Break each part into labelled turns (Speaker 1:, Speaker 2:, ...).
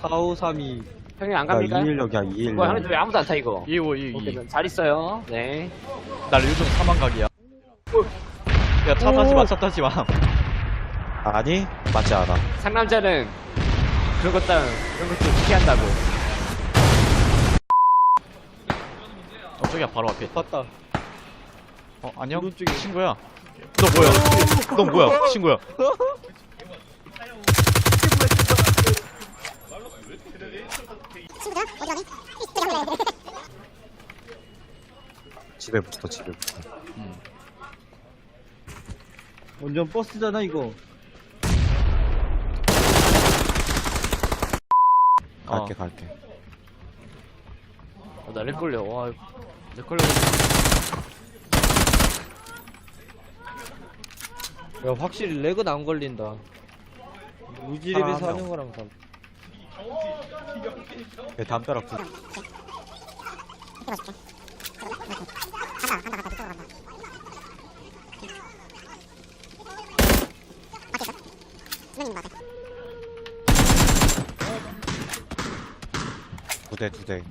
Speaker 1: 4532.
Speaker 2: 형님 안
Speaker 3: 나
Speaker 2: 갑니까?
Speaker 3: 216이야 216.
Speaker 2: 뭐야 형님 왜 아무도 안 타 이거?
Speaker 4: 255,
Speaker 2: 오케이
Speaker 4: 222.
Speaker 2: 잘 있어요. 네.
Speaker 4: 나 요즘 사망각이야. 야, 차 타지 마, 차 타지 마.
Speaker 3: 아니 맞지 않아.
Speaker 2: 상남자는 그런 것도 피한다고.
Speaker 4: 저기야, 바로 앞에.
Speaker 1: 봤다.
Speaker 4: 안녕?
Speaker 1: 오른쪽에.
Speaker 4: 친구야. 너 뭐야? 너 뭐야? 친구야.
Speaker 3: 집에 붙어 집에 붙어.
Speaker 1: 완전 버스잖아 이거.
Speaker 3: 갈게.
Speaker 2: 나렉 걸려. 와, 렉 걸려.
Speaker 1: 야 확실히 렉은 안 걸린다. 무지랩에서
Speaker 3: 사람 한
Speaker 1: 하는 거랑 다.
Speaker 3: 얘 담벼락 붙. 두 대.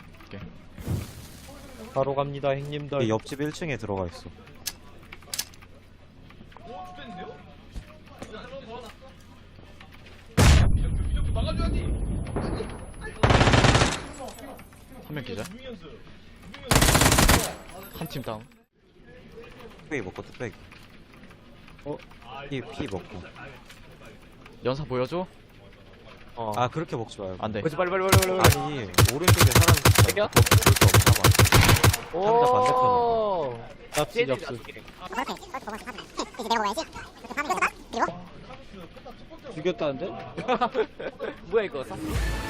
Speaker 1: 바로 갑니다 형님들.
Speaker 3: 얘 옆집 1층에 들어가 있어.
Speaker 4: 한 명 기자. 한 팀 다운.
Speaker 3: 뚝배기 먹고 뚝배기. 피 먹고.
Speaker 4: 연사 보여줘?
Speaker 3: 아 그렇게 먹지 말고.
Speaker 4: 안 돼.
Speaker 2: 그렇지 빨리.
Speaker 3: 아니 오른쪽에 사람 있어.
Speaker 2: 땡겨?
Speaker 3: 볼수 없나 봐. 상자
Speaker 2: 오.
Speaker 1: 납치 접수. 죽였다는데?
Speaker 2: 뭐야 이거?